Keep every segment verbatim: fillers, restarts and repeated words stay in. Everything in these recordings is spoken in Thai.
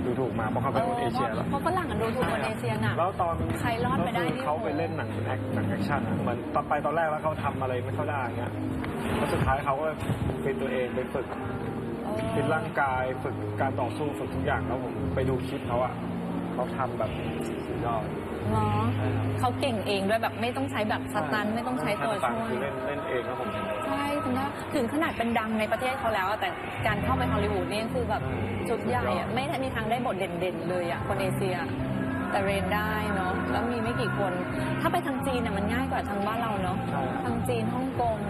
ดูถูกมาเพราะเขาเป็นคนเอเชียแล้วเพราะฝรั่งดูถูกคนเอเชียน่ะแล้วตอนใครรอดไปได้ที่เขาไปเล่นหนังแอคหนังแอคชั่นเหมือนตอนไปตอนแรกแล้วเขาทำอะไรไม่เข้าได้เงี้ยแล้วสุดท้ายเขาก็เป็นตัวเองไปฝึกฟิตร่างกายฝึกการต่อสู้ฝึกทุกอย่างแล้วผมไปดูคลิปเขาอะเขาทำแบบสุดยอดเนาะเขาเก่งเองด้วยแบบไม่ต้องใช้แบบสตันไม่ต้องใช้ตัวช่วยคือเล่นเล่นเองครับผมใช่คุณว่าถึงขนาดเป็นดังในประเทศเขาแล้วแต่การเข้าไปฮอลลีวูดนี่คือแบบจุดใหญ่อะไม่มีทางได้บทเด่นๆเลยอะคนเอเชียแต่เรนได้เนาะแล้วมีไม่กี่คนถ้าไปทางจีนเนี่ยมันง่ายกว่าทางบ้านเราเนาะทางจีนฮ่องกง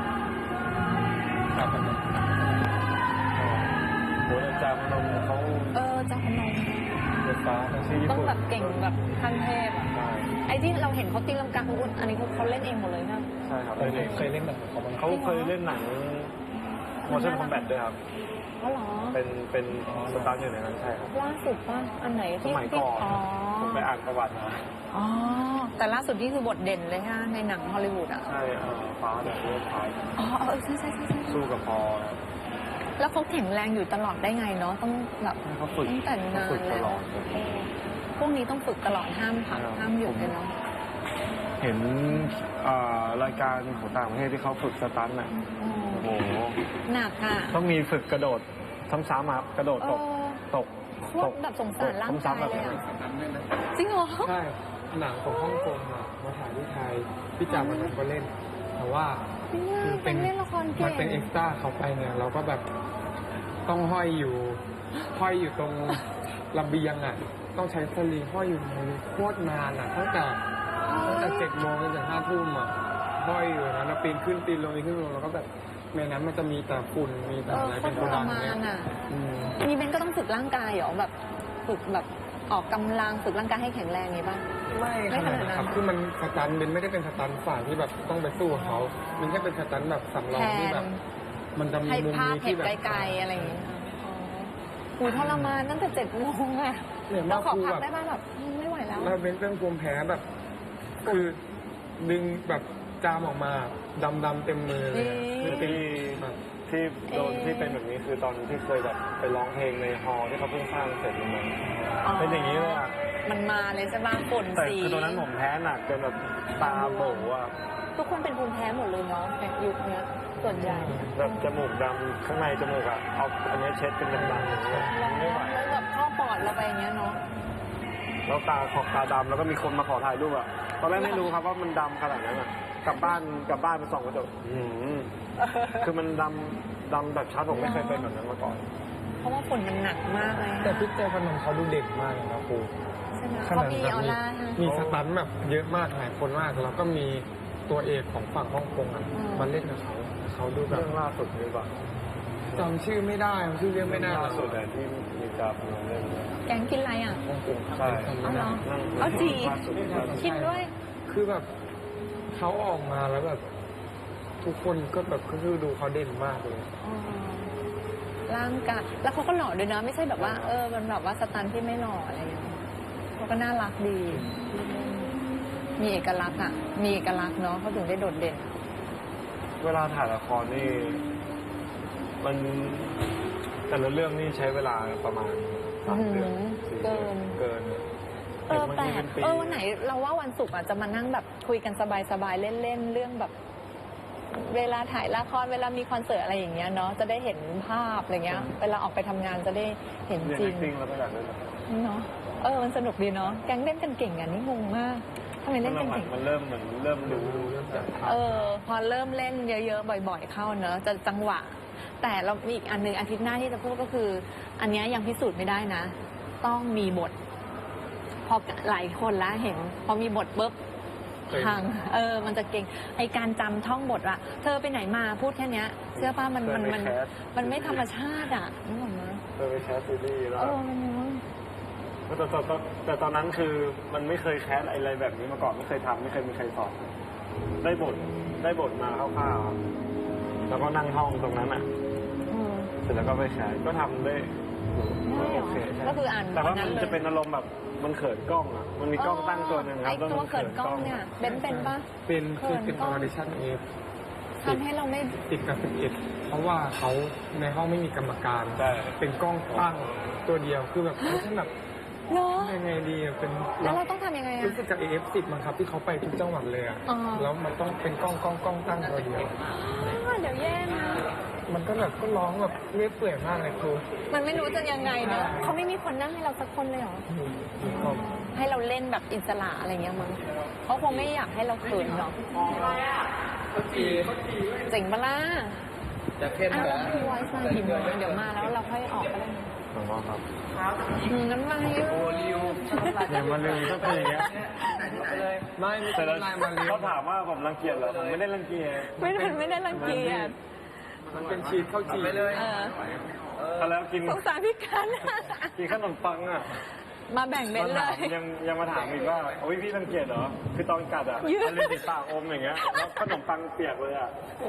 โอ้ยจามนมเขาเออจามนมฟ้าต้องแบบเก่งแบบขั้นเทพอ่ะไอ้ที่เราเห็นเขาตีลังกาคุณอันนี้เขาเล่นเองหมดเลยนะใช่ครับเคยเล่นแบบเขาเคยเล่นหนังโมชั่นคอมแบทด้วยครับอ๋อเหรอเป็นเป็นสตาร์อยู่ในนั้นใช่ครับล่าสุดป่ะอันไหนที่สมัยก่อนผมไปอ่านประวัติมาอ๋อแต่ล่าสุดนี่คือบทเด่นเลยฮะในหนังฮอลลีวูดอ่ะใช่ฟ้าแบบเลือดพายอ๋อเออใช่ใช่ใช่สู้กับพอแล้วเขาแข็งแรงอยู่ตลอดได้ไงเนาะต้องแบบตั้งแต่นานแล้วพวกนี้ต้องฝึกตลอดห้ามพักห้ามหยุดเลยเนาะเห็นรายการของต่างประเทศที่เขาฝึกสตันน่ะโอ้โหหนักอ่ะต้องมีฝึกกระโดดซ้ำๆครับกระโดดตกตกตกแบบสงสารร่างกายเลยอ่ะจริงเหรอใช่หนังของฮ่องกงอ่ะมาถ่ายที่ไทยพี่จ่ามันก็เล่นแต่ว่าเป็นเล่นละครเก่งมันเป็นเอ็กซ์ตร้าเขาไปเนี่ยเราก็แบบต้องห้อยอยู่ห้อยอยู่ตรงระเบียงอ่ะต้องใช้สลิงห้อยอยู่โคตรนานอ่ะตั้งแต่ตั้งแต่เจ็ดโมงจนถึงห้าทุ่มอ่ะห้อยอยู่นะปีนขึ้นปีนลงปีนขึ้นลงแล้วก็แบบในนั้นมันจะมีแต่ฝุ่นมีแต่อะไรเป็นกระดังเนี่ยมีเบนก็ต้องฝึกร่างกายเหรอแบบฝึกแบบออกกำลังฝึกร่างกายให้แข็งแรงไงบ้างไม่ขนาดนั้นครับคือมันสตันเบนไม่ได้เป็นสตันฝ่ายที่แบบต้องไปสู้เขามันแค่เป็นสตันแบบสำรองที่แบบมันจะมีมุมนี้ที่แบบไกลๆอะไรอย่างเงี้ยหูทรมานตั้งแต่เจ็ดโมงอะเราขอพักได้บ้างแบบไม่ไหวแล้วเราเป็นเรื่องภูมิแพ้แบบคือดึงแบบจามออกมาดำๆเต็มมือเลยที่ที่โดนที่เป็นแบบนี้คือตอนที่เคยแบบไปร้องเพลงในฮอลล์ที่เขาเพิ่งสร้างเสร็จเลยเป็นอย่างนี้เลยอ่ะมันมาเลยใช่ไหมฝนสีแต่คือตอนนั้นผมแพ้หนักจนแบบตาโบอ่ะทุกคนเป็นภูมิแพ้หมดเลยเนาะในยุคนี้ส่วนใหญ่แบบจมูกดำข้างในจมูกอ่ะเอาอันนี้เช็ดเป็นดำๆอย่างเงี้ยไม่ไหวแล้วแบบเข้าปอดเราไปอย่างเงี้ยเนาะแล้วตาขอบตาดำแล้วก็มีคนมาขอถ่ายรูปอ่ะตอนแรกไม่รู้ครับว่ามันดำขนาดนั้นอ่ะกลับบ้านกลับบ้านไปส่องกระจกคือมันดำดำแบบชัดผมไม่เคยเป็นแบบนั้นมาก่อนเพราะว่าฝุ่นมันหนักมากเลยแต่พี่เจพนมเขาดูเด็กมากเลยนะครูขนาดมีออร่ามีสตันแบบเยอะมากหลายคนมากแล้วก็มีตัวเอกของฝั่งฮ่องกงอ่ะมาเล่นกับเขาเขาดูแบบเรื่องล่าสุดนี่ป่ะจำชื่อไม่ได้ชื่อเรื่องไม่ได้ล่าสุดแต่ที่มีกราฟเล่นแกงกินอะไรอ่ะฮ่องกงใช่เอาเหรอเอาจีคิดด้วยคือแบบเขาออกมาแล้วแบบทุกคนก็แบบก็คือดูเขาเด่นมากเลยร่างกายแล้วเขาก็หล่อด้วยนะไม่ใช่แบบว่าเออมันแบบว่าสตันที่ไม่หล่ออะไรอย่างเงี้ยเขาก็น่ารักดีมีเอกลักษณ์อ่ะมีเอกลักษณ์เนาะเขาถึงได้โดดเด่นเวลาถ่ายละครนี่มันแต่ละเรื่องนี่ใช้เวลาประมาณสามเดือนเกินเกินเออแต่เออวันไหนเราว่าวันศุกร์อาจจะมานั่งแบบคุยกันสบายๆเล่นๆเรื่องแบบเวลาถ่ายละครเวลามีคอนเสิร์ตอะไรอย่างเงี้ยเนาะจะได้เห็นภาพอะไรเงี้ยเวลาออกไปทำงานจะได้เห็นจริงแล้วก็อยากเล่นเนาะเออมันสนุกดีเนาะแก๊งเล่นกันเก่งอ่ะนี่งงมากทำไมเล่นกันเก่งมันเริ่มเหมือนเริ่มรู้เริ่มจากเออพอเริ่มเล่นเยอะๆบ่อยๆเข้าเนอะจะจังหวะแต่เรามีอีกอันนึงอาทิตย์หน้าที่จะพูดก็คืออันนี้ยังพิสูจน์ไม่ได้นะต้องมีบทพอหลายคนละเห็นพอมีบทปุ๊บทางเออมันจะเก่งไอการจำท่องบทอะเธอไปไหนมาพูดแค่นี้เชื่อป้ามันมันมันมันไม่ธรรมชาติอะนึกออกไหมเธอไปแคสซีรีส์แล้วเออมันมั้งแต่ตอนแต่ตอนนั้นคือมันไม่เคยแคสอะไรแบบนี้มาก่อนไม่เคยทำไม่เคยมีใครสอนได้บทได้บทมาคร่าวๆแล้วก็นั่งห้องตรงนั้นอ่ะเสร็จแล้วก็ไปแคสก็ทำได้โอเคก็คืออ่านแต่ว่ามันจะเป็นอารมณ์แบบมันเขินกล้องอ่ะมันมีกล้องตั้งตัวหนึ่งครับไอ้ตัวเขินกล้องเนี่ยเป็นเป็นปะเป็นคือเป็นออดิชั่นเอฟทำให้เราไม่ติดกับสิบเอ็ดเพราะว่าเขาในห้องไม่มีกรรมการเป็นกล้องตั้งตัวเดียวคือแบบฉันแบบเนาะยังไงดีอะเป็นแล้วเราต้องทำยังไงอะรู้สึกจาก เอ เอฟ สิบ มั้งครับที่เขาไปทุกจังหวัดเลยอะอ๋อแล้วมันต้องเป็นกล้องกล้องกล้องตั้งตัวเดียวอ้าวเดี๋ยวแย่นะมันก็แบบก็ร้องแบบเรื่อยเปื่อยมากเลยครูมันไม่รู้จะยังไงเนอะเขาไม่มีคนนั่งให้เราสักคนเลยเหรอครับให้เราเล่นแบบอิสระอะไรเงี้ยมั้งเขาคงไม่อยากให้เราเขินหรอกเจ๋งปะล่ะจะเข้มอ้าวเหรแล้วอพี่ไวซ์มากี่โมงเดี๋ยวมาแล้วเราค่อยออกก็ได้นะหลวงพ่อครับอืมน้ำลายเยอะเนี่ยมันเลยต้องเป็นอย่างเงี้ยไม่ไม่แต่ใช่เราลายมาเรียเขาถามว่าผมรังเกียจเหรอผมไม่ได้รังเกียจไม่ได้ไม่ได้รังเกียจมันเป็นชีสข้าวจี่เลยเออเขาแล้วกินสงสารพี่กันกินขนมปังอ่ะมาแบ่งเบนเลมาย ถามยังยังมาถามอีกว่าโอ้ยพี่รังเกียจเหรอคือตอนกัดอ่ะยืดมันเลยติดปากอมอย่างเงี้ยแล้วขนมปังเปียกเลยอ่ะ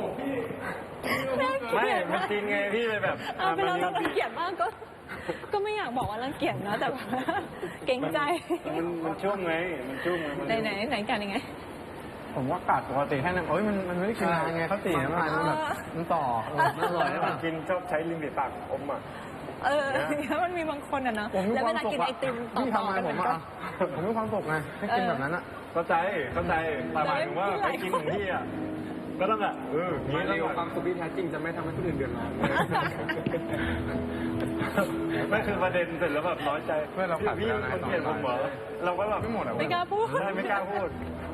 ไม่มันจริงไงพี่เลยแบบเอาเป็นเรามัเรารังเกียจมากก็ ก็ไม่อยากบอกว่ารังเกียจนะแต่ว่าเกรงใจมันมันชุ่มไงมันชุ่มไงมันไหนไหนไหนกันยังไงผมว่ากัดปกติแค่นั้นโอ้ยมันมันไม่ได้กินนานไงข้าวจี่มันมันแบบมันต่อมันอร่อยมัมาน กกินชอบใช้ลิ้นติดปากอมอ่ะเออมันมีบางคนอ่ะเนาะผมมีแล้วคเววามลาสุขกินอะไอติมต่พี่อทำๆอะไรกันผมันมก็อะผมมีความสุขไงให้กินแบบนั้นอะเข้าใจเข้าใจแต่หมายถึงว่าไปกินของพี่อ่ะก็ต้องแบบเออมานี้เรีต้ยองวแบบความสุขที่แท้จริงจะไม่ทำให้คนอื่นเดือดร้อนไม่คือประเด็นเสร็จแล้วแบบน้อยใจเพื่อนเรากัดพี่แล้วนะคนเกลียดผมเหรอเราก็แบบไม่หมดอะไม่กล้าพูดใช่ไม่กล้าพูด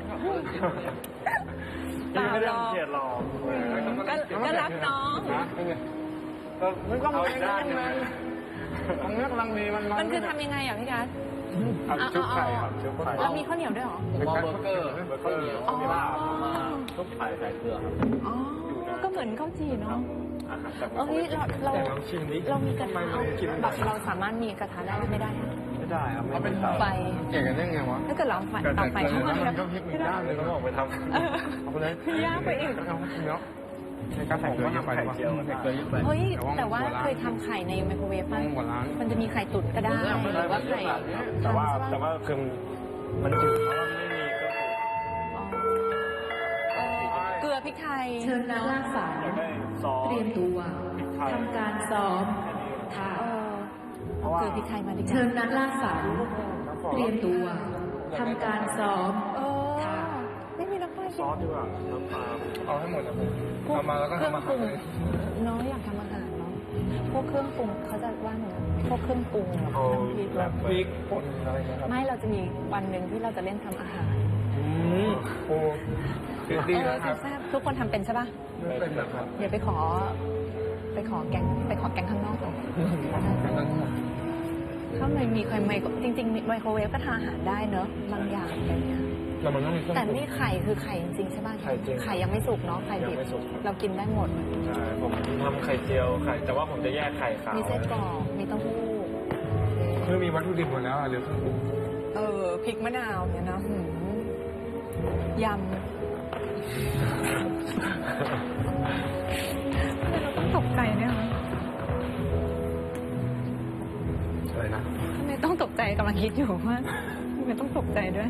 พี่ไม่ได้รังเกลียดหรอกก็ก็รักน้องนะเป็นไงก็มันก็เอาไม่อีกได้ด้านหนึงไงตรงนี้กำลังดีมันมันคือทำยังไงอ่ะพี่กัสเอาชุบไข่ครับชุบไข่แล้วมีข้าวเหนียวด้วยเหรอผมมองเบอร์เกอร์เบอร์เกอร์อ๋อมีลาบมาชุบไข่ใส่เกลือครับอ๋อ ก็เหมือนข้าวจี่เนาะอาหารจากเอ้ยเราเราแต่ลองชิมดิเรามีกระทะทำไมมันกินแบบเราสามารถมีกระทะได้ไม่ได้อะไม่ได้ครับเขาเป็นเตาไฟเก่งกันได้ไงวะถ้าเกิดเราเอาไฟเอาไฟเข้ามามันก็พลิกอีกด้านเลยก็ก็ออกไปทเออเอาไปเลยยากไปอีกเอาเนาะในการผมก็ทำไปว่าเกลือเยอะไปเฮ้ย แต่ว่าเคยทำไข่ในไมโครเวฟต้ป่ะองหัวล้างมันจะมีไข่ตุ๋นก็ได้ หรือว่าไข่ำแต่ว่าแต่ว่าคือมันจืดเพราะว่าไม่มีเครื่องปรุงอ๋อเออเกลือพริกไทยเชิญนักล่าฝันอยากได้ซอสเตรียมตัวพริกไทยทำการซ้อมค่ะเออเอาเกลือพริกไทยมาดีกเชิว่าญนักล่าฝัน เตรียมตัวทำการซ้อมเออไม่มีน้ำปลาซอสดีกว่าน้ำปลาเอาให้หมดนะผมทำมาแล้วก็เครื่องทำอาปหารุรง เลยน้อยอยากทำอาหารเนาะพวกเครื่องปรุงเขาจะว่าหนูพวกเครื่องปรุงแบบเอาน้ำพริกแบบพริกป่นอะไรนะครับไม่เราจะมีวันหนึ่งที่เราจะเล่นทำอาหารอืมโอ้ดีเออนะครับแซ่บๆทุกคนทำเป็นใช่ป่ะไม่เป็นแบบครับเดี๋ยวไปขอ ไปขอแกงไปขอแกงข้างนอกก่อนข้างในมีใครไมโครจริงๆไมโครเวฟก็ทำอาหารได้เนอะบางอย่างอะไรเงี้ยแล้วมันต้องมีเครื่องแต่ปรุงนี่ไข่คือไข่จริงๆใช่ป่ะไข่จริงไข่ยังไม่สุกเนาะไข่ดิบยังไม่สุกครับเรากินได้หมดใช่ผมทำไข่เจียวไข่แต่ว่าผมจะแยกไข่ขาวมีไส้กรอกมีเต้าหู้คือมีวัตถุดิบหมดแล้วอ่ะเหลือเครื่องปรุงเออพริกมะนาวเนี่ยนะหืมยำทำไมเราต้องตกใจเนี่ยคะอะไรนะทำไมต้องตกใจกำลังคิดอยู่ว่าทำไมต้องตกใจด้วย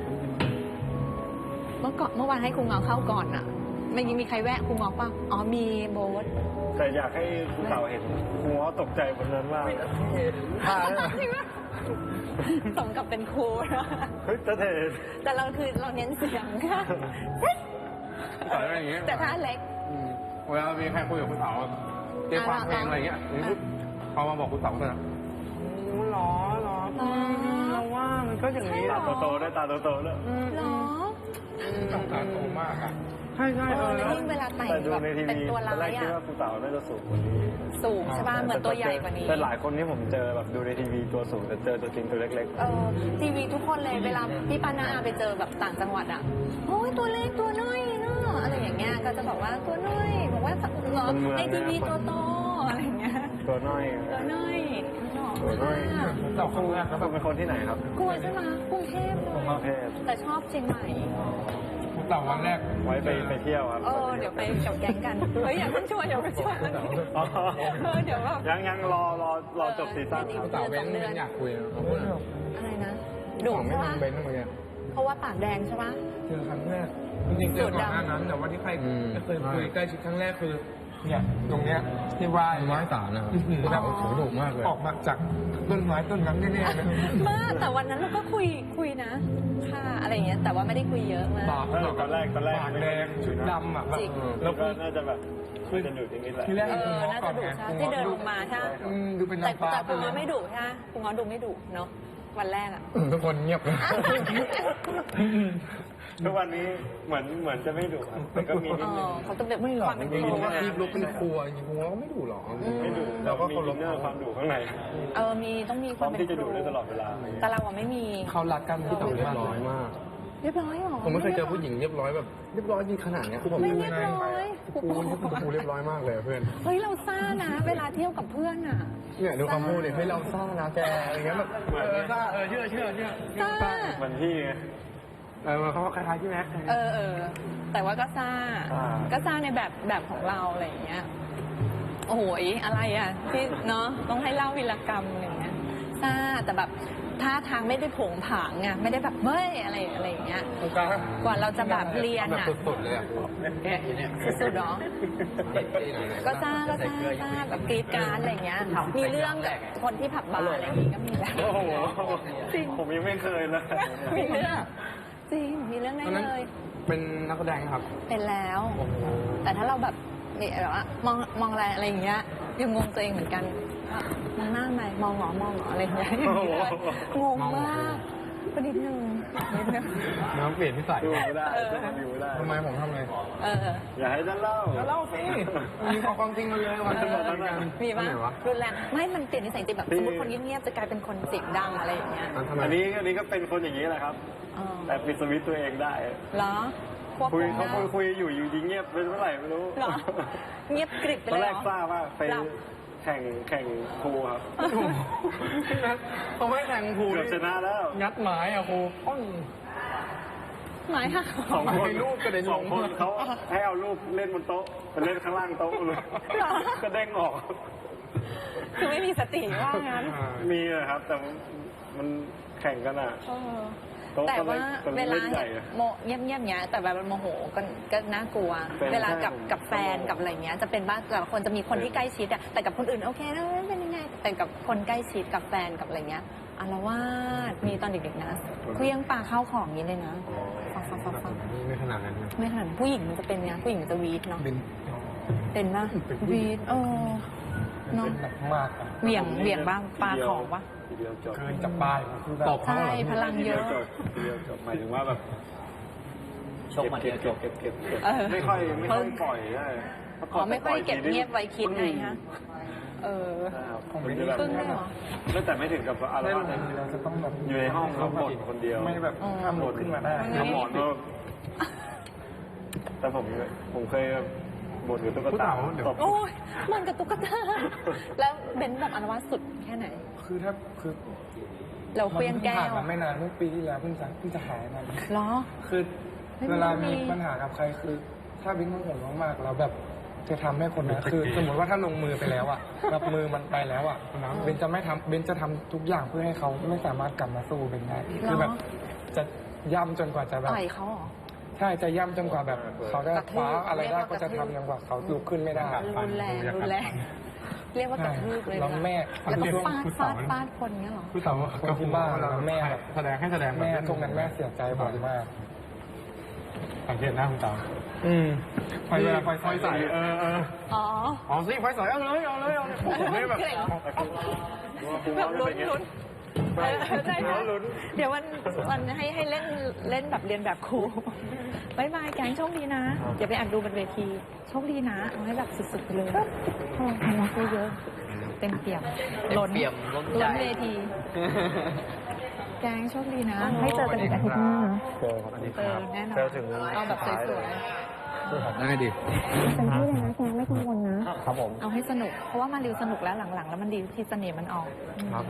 เมื่อก่อนเมื่อวานให้ครูเงาเข้าก่อนอะไม่มีใครแวะครูเงาป่ะอ๋อมีโบ๊ทแต่อยากให้คุณเต่าเห็นหัวตกใจบนนั้นมากผ้าเลยจริงปะสมกับเป็นครูนะเฮ้ยจะเทแต่เราคือเราเน้นเสียงค่ะต่อยอย่างเงี้ยแต่ถ้าเล็กอืมเวลามีใครคุยกับคุณเต๋าเตรียมฟังเพลงอะไรเงี้ยเขามาบอกคุณเต๋าเลยนะหรอหรอเราว่ามันก็อย่างนี้ตาโตๆด้วยตาโตๆด้วยเหรอต้องการโตมากอ่ะใช่ใช่เอเอออแล้วแล้วยิ่งเวลาแต่งแต่ดูแบบในทีเป็นวีตัวตอนแรร้าก ยคิดอะว่าคุณเต่าน่าจะสูงกว่านี้สูงใช่ป่ะเหมือนตัวใหญ่กว่านี้แต่หลายคนที่ผมเจอแบบดูในทีวีตัวสูงแต่เจอตัวจริงตัวเล็กเออทีวีทุกคนเลยเวลาพี่ปานาอาไปเจอแบบต่างจังหวัดอ่ะโอ้ยตัวเล็กตัวน้อยเนาะอะไรอย่างเงี้ยก็จะบอกว่าตัวน้อยบอกว่าเหรอในทีวีตัวโตอะไรอย่างเงี้ยๆ ตัวน้อยตัวน้อยหล่อตัวน้อยมากเต่าครั้งแรกแล้วเป็นคนที่ไหนครับกลัวใช่ไหมกรุงเทพเลกรุยงเทพแต่ชอบเชียงใหม่เต่าวันแรกไว้ไปไปเที่ยวครับเออเดี๋ยวไปกับแก๊งกันเฮ้ยอย่าเพิ่งชวนอย่าเพิ่งชวนอ๋อเออเดี๋ยวแบบยังยังรอรอรอจบซีซั่นครับเต่าเว้นไม่อยากคุยนะเขาพูดอะไรนะดุดุไม่ใช่ปะทำเบนซ์เหมือนกันเพราะว่าปากแดงใช่ปะเจอครั้งแรกจริงๆเจอก่อนหน้านั้นแต่ว่าที่ใครอืมเคยคุยใกล้ชิดครั้งแรกคือเนี่ยตรงเนี้ยที่ไหว้ไม้สารนะครับอื้อหือแบบโอ้โหดุมากเลยออกมาจากต้นไม้ต้นนั้นแน่ๆเลยมากแต่วันนั้นเราก็คุยคุยนะค่ะอะไรอย่างเงี้ยแต่ว่าไม่ได้คุยเยอะมากปากเออตอนแรกตอนแรกปากแดงชุดดำอ่ะแบบจริงแล้วก็น่าจะแบบน่าจะดุอย่างนี้แหละทีแรกเอคุณอง้อน่าก่อจะนดุไงใช่คุณที่ง้อเดินดูลงมาใช่ไหมอืมดูเป็นแต่นางฟ้าแต่ไปคุณเลง้อย ไม่ดุใช่ไหมคุณง้อดูไม่ดุเนาะวันแรกอะทุกคนเงียบเลยทุกวันนี้เหมือนเหมือนจะไม่ดุครับแต่ก็มีเอนิดนึงอเขาต้องแบบไม่หรอกความเป็นจริงครูๆอะที่ลุกเป็นครัวจริงๆคุณง้อก็ไม่ดุหรอกไม่ดุเราเราก็ก็เคาเคาร รพพเรื่องความดุข้างในเออมีต้องมีคพร้อวามมเป็นที่จะครูดุได้ตลอดเวลาแต่เราอะไม่มีเขารักกันที่ต่อเรียบร้อยมากเรียบร้อยเหรอผมไม่เคยเจอผู้หญิงเรียบร้อยแบบเรียบร้อยจริงขนาดเนี้ยคือผมไม่เรียบร้อยกูกูเรียบร้อยมากเลยเพื่อนเฮ้ยเราซ่านะ เวลาเที่ยวกับเพื่อนอะเนี่ยดูคำพูดเลยเฮ้ยเราซ่านะแกอะไรเงี้ยแบบเหมือนเออซ่าเออเชื่อเชื่อเชื่อซ่าเหมือนพี่ไงเออเขาคล้ายๆพี่แม็กซ์เออเออแต่ว่าก็ซ่าอ่าก็ซ่าในแบบแบบของเราอะไรอย่างเงี้ยโอ้โหยอะไรอ่ะที่เนาะต้องให้เล่าวีรกรรมอะไรอย่างเงี้ยซ่าแต่แบบท่าทางไม่ได้โผงผางไงไม่ได้แบบเฮ้ยอะไรอะไรอย่างเงี้ยตรงกลางกว่าเราจะแบบเรียนแบบอ่ะสุดๆเลยอ่ะแค่เนี่ยสุดๆเนาะก็ซ่าก็ซ่าซ่าแบบกรีดกรารอะไรอย่างเงี้ยมีเรื่องกับคนที่ผับบาร์อะไรอย่างงี้ก็มีแบบโอ้โหจริงผมยังไม่เคยเลยมีเรื่องจริงมีเรื่องได้ตอนนั้นเลยเป็นนักแสดงครับเป็นแล้ว แต่ถ้าเราแบบเนี่ยแบบว่ามองมองอะไรอะไรอย่างเงี้ยยังงงตัวเองเหมือนกันว่ามองหน้าไหมมองหงอมองหงออะไรอย่างเงี้ยงงมากก็นิดนึงนิดนึงน้องเปลี่ยนนิสัยดูไม่ได้ต้องมาดูไม่ได้ทำไมผมทำไงเอออย่าให้ฉันเล่าก็เล่าสิมีความจริงมาเลยวันเอจะอบอกกันมีปะไหนวะรุนแรงไม่มันเปลี่ยนนิสัยจริงแบบที่สมมติคนเงียบๆจะกลายเป็นคนเสียงดังอะไรอย่างเงี้ยอันทำไมอันนี้อันนี้ก็เป็นคนอย่างนี้แหละครับเออแต่ปิดสวิตช์ตัวเองได้เหรอควบคุคุยมเขาได้คุยคุยอยู่อยู่ดีเงียบไปเมื่อไหร่ไม่รู้เหรอเงียบกริบไปตอนเลยแรเหกรอทราบว่าไปหลับแข่งแข่งครูครับเขาไม่แข่งครูเกือบชนะแล้วงัดหมายอ่ะครูป้องหมายหักสองคนมีรูปกระเด็นลงสองคนเขาให้เอารูปเล่นบนโต๊ะไปเล่นข้างล่างโต๊ะเลยก็เด้งออกคือไม่มีสติว่างั้นมีเลยครับ แต่มันแข่งกันอ่ะเออโต๊ะแต่ว่าก็เวเล่ลานใหญ่เห็นอะโมเงียบๆเงี้ยแต่แบบมันโมโหก็ก็น่ากลัวเป็นเวลากับใช่กับแฟนกับอะไรเงี้ยจะเป็นบ้างแต่ละคนจะมีคนที่ใกล้ชิดอะแต่กับคนอื่นโอเคนะไม่เป็นยังไงแต่กับคนใกล้ชิดกับแฟนกับอะไรเงี้ยอารวาสมีตอนเด็กๆนะเคลี้ยงปลาข้าวของอย่างนี้เลยนะฟังฟังฟังฟังไม่ขนาดนั้นนะไม่ขนาดนั้นผู้หญิงมันจะเป็นไงผู้หญิงมันจะวีดเนาะเป็นเป็นปะวีดเออเนาะเป็นหนักมากอะเหวี่ยงเหวี่ยงบ้างปลาของปะทีเดียวจบเกินจากป้ายคือแบบตบเขาใช่เหรอพลังเยอะทีดีวจบทีเดียวจบหมายถึงว่าแบบชกมาเดีเก็ยวบเก็บเก็บเก็บเก็บเออไม่ค่อยไม่ค่อยปล่อยได้อ๋อไม่ค่อยเก็บเงียบไว้คิดไงฮะเออผมจะแบบปึ้งเลยเหรอไม่แต่ไม่ถึงกับอารได้วาลสงเราจะต้องแบบอยู่ในห้องแล้วบ่นคนเดียวไม่แบบห้ามลุกขึ้นมาได้น้ำหมอนก็แต่ผมผมเคยบ่นกับตุ๊กตาตบโอ้ยมันกับตุ๊กตา แล้วเบนแบบอารวาสสุดแค่ไหนคือถ้าคือเราเคลี้ยงแก้ผ่านวมาไม่นานเมื่อปีที่แล้วเพิ่งจะเพิ่งจะหายมันเหรอคือไม่มีเวลาไม่มีมีปัญหากับใครคือ ถ้าบิ๊กมันห่วงมากๆเราแบบจะทำให้คนนั้นคือ สมมติว่าถ้าลงมือไปแล้วอ่ะรับมือมันไปแล้วอ่ะเบนจะไม่ทำเบนจะทำทุกอย่างเพื่อให้เขาไม่สามารถกลับมาสู้เบนได้คือแบบจะย่ำจนกว่าจะแบบต่อยเขาเหรอใช่จะย่ำจนกว่าแบบเขาจะกระทืบคว้าอะไรได้เรียกว่ากก็ระทืจะบทำจนกว่าเขาลุกขึ้นไม่ได้รุนแรงรุนแรง เรียกว่ากระทืบเลยแล้วแม่แล้วก็เรียกฟาดผู้ฟาสาวดฟาดคนเงี้ยเหรอผู้สาวก็คือบ้าแล้วแม่แบบแสดงให้แสดงแม่ตรงนั้นแม่เสียใจบ่อยมากสังเกตหน้าคุณตาอืมไฟเวลาไฟไฟใส่เออเอออ๋อเอาสิไฟใส่เอาเลยเอาเลยเอาเลยผมไม่แบบเกรงเหรอครูแบบว่าลุ้เป็น นไงลุ้นเออใช่ค่ะเดี๋ยววันวันให้ให้เล่นเล่นแบบเรียนแบบครูบายบายแกงโชคดีนะอย่าไปอัดดูบนเวทีโชคดีนะเอาให้แบบสุดๆไปเลยพลังพลังเยอะเต็มเปี่ยมล้นเปี่ยมล้นใจล้นเวที แกงโชคดีนะ ให้เจอกันอีกอาทิตย์หน้านะเจอครับอันนี้เจอแน่นอนเจอถึงเอาแบบสวยได้ดิๆเต็มที่เลยนะแกงไม่กังวลนะครับผมเอาให้สนุก เพราะว่ามาริวสนุกแล้วหลังๆ แล้วมันดีที่เสน่ห์มันออก